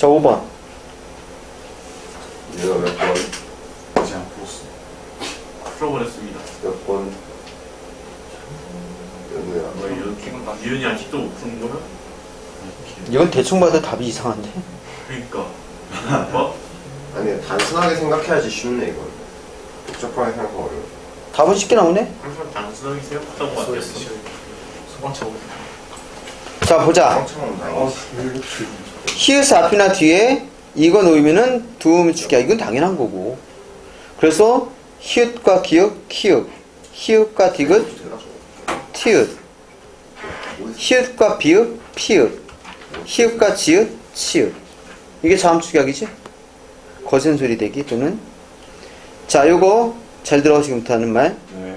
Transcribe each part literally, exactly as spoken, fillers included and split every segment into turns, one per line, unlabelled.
자, 오 번.
얘가 몇 번?
아직 안 풀었어.
풀어버렸습니다.
몇 번? 연우야.
뭐 이런 유연이 아직도 못 푸는 거야?
이건 대충 봐도 답이 이상한데.
그러니까. 뭐?
아니 단순하게 생각해야지 쉽네 이건. 복잡하게 생각하면 어려워.
답은 쉽게 나오네.
항상 단순하게 생각하던 것 같아요.
소방차 오고.
자, 보자.
상처럼 다행이지.
히읗 앞이나 뒤에 이거 놓으면은 두음 축이야. 이건 당연한 거고. 그래서 히읗과 기역, 키읔, 히읗과 디귿, 티읕, 히읗과 비읍, 피읍, 히읗과 지읒, 치읒. 이게 자음축약이지? 거센 소리 대기 또는. 자, 요거 잘 들어. 지금부터 하는 말.
네.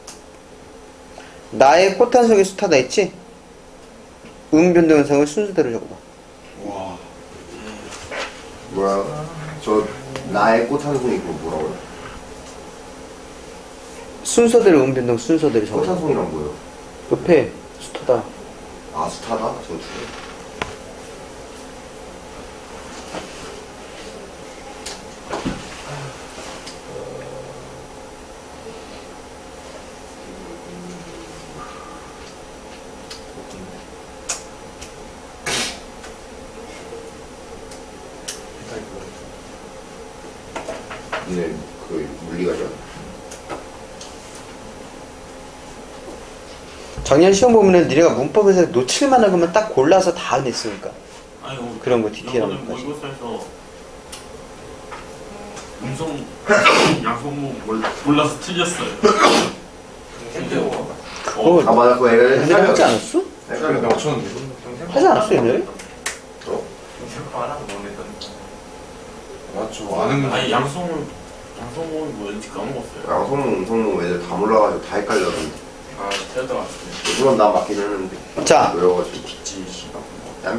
나의 꽃 한 송이 숱하다 했지? 음 변동 현상을 순서대로 적어봐.
와.
뭐야? 저 나의 꽃 한 송이 그거 뭐라고요?
순서대로 음 변동 순서대로
꽃 한
적어봐.
송이란 뭐예요?
옆에 숱하다.
아 숱하다? 저 중에. 니네 그 물리가죠?
작년 시험 보면은 니네가 문법에서 놓칠만한 것만 딱 골라서 다 냈으니까.
아니, 뭐,
그런 거 디테일한
이거는
것까지.
모의고사에서 음성, 양성모 몰- 몰라서 틀렸어요.
그거
아 맞아 그거 애를
옛날에 하지 않았어?
헷갈려. 나 맞췄는데.
하지 않았어 옛날에?
어?
맞죠. 아는 건.
아니, 양성, 양성모는 뭐였는지 까먹었어요.
양성모 음성모 애들 다 몰라가지고 다 헷갈렸는데
아, 틀렸던 것 같은데.
물론 나 맞긴 했는데
자,
외워가지고
지, 씨발.
땀이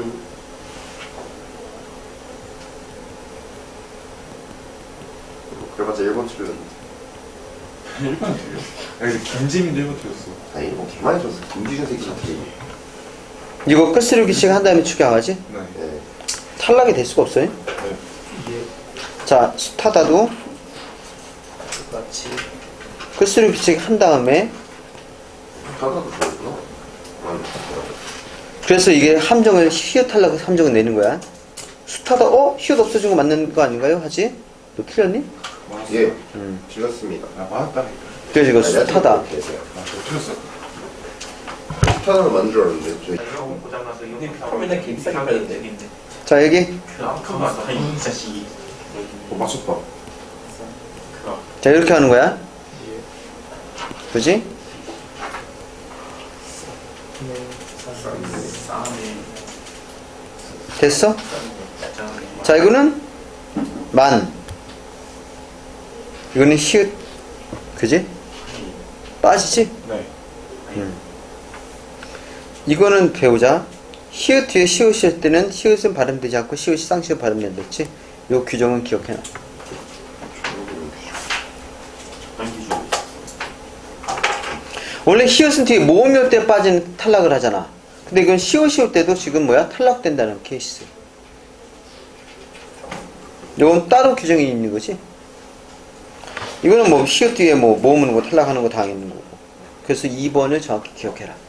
그래봤자 일 번 틀렸는데
일 번 틀려. 야, 근데 김지민도 일 번 틀렸어.
아 일 번 개많이 줬어 김지준 새끼 같이
이거 끝스르기씩 한 다음에 축약하지?
네.
네.
탈락이 될 수가 없어요.
네.
자, 숱하다도 끝스르기씩 한 다음에.
하나도 좋았구나 아,
그래서 이게 함정을 히읗 탈락 함정을 내는 거야. 숱하다. 어? 히읗 없어진 거 맞는 거 아닌가요? 하지? 너 틀렸니?
맞았어.
예
음.
틀렸습니다
아, 맞았다니까.
그래서 이거
아니, 내가
숱하다.
틀렸어.
아, 저 틀렸어.
숱하다는 맞는 줄 알았는데 저희
고장나서 이거
맨날 개 비싸게 팔던데.
자, 여기.
그 아픈 거 같아, 이 자식이.
어, 맞췄다.
그
자, 이렇게 하는 거야. 그지?
싸움이
됐어?
진짜.
자, 이거는 만. 이거는 히읗. 그지? 빠지지?
네.
이거는 배우자. 히읗 뒤에 시옷이 할 때는 히읗은 발음되지 않고 시옷이 쌍시옷 발음된다 했지? 요 규정은 기억해놔.
당기죠.
원래 히읗은 뒤에 모음이 올 때 빠진 탈락을 하잖아. 근데 이건 시옷이 올 때도 지금 뭐야? 탈락된다는 케이스. 이건 따로 규정이 있는 거지. 이거는 뭐 히읗 뒤에 뭐 모음은 거 탈락하는 거 당연히 있는 거고. 그래서 이 번을 정확히 기억해라.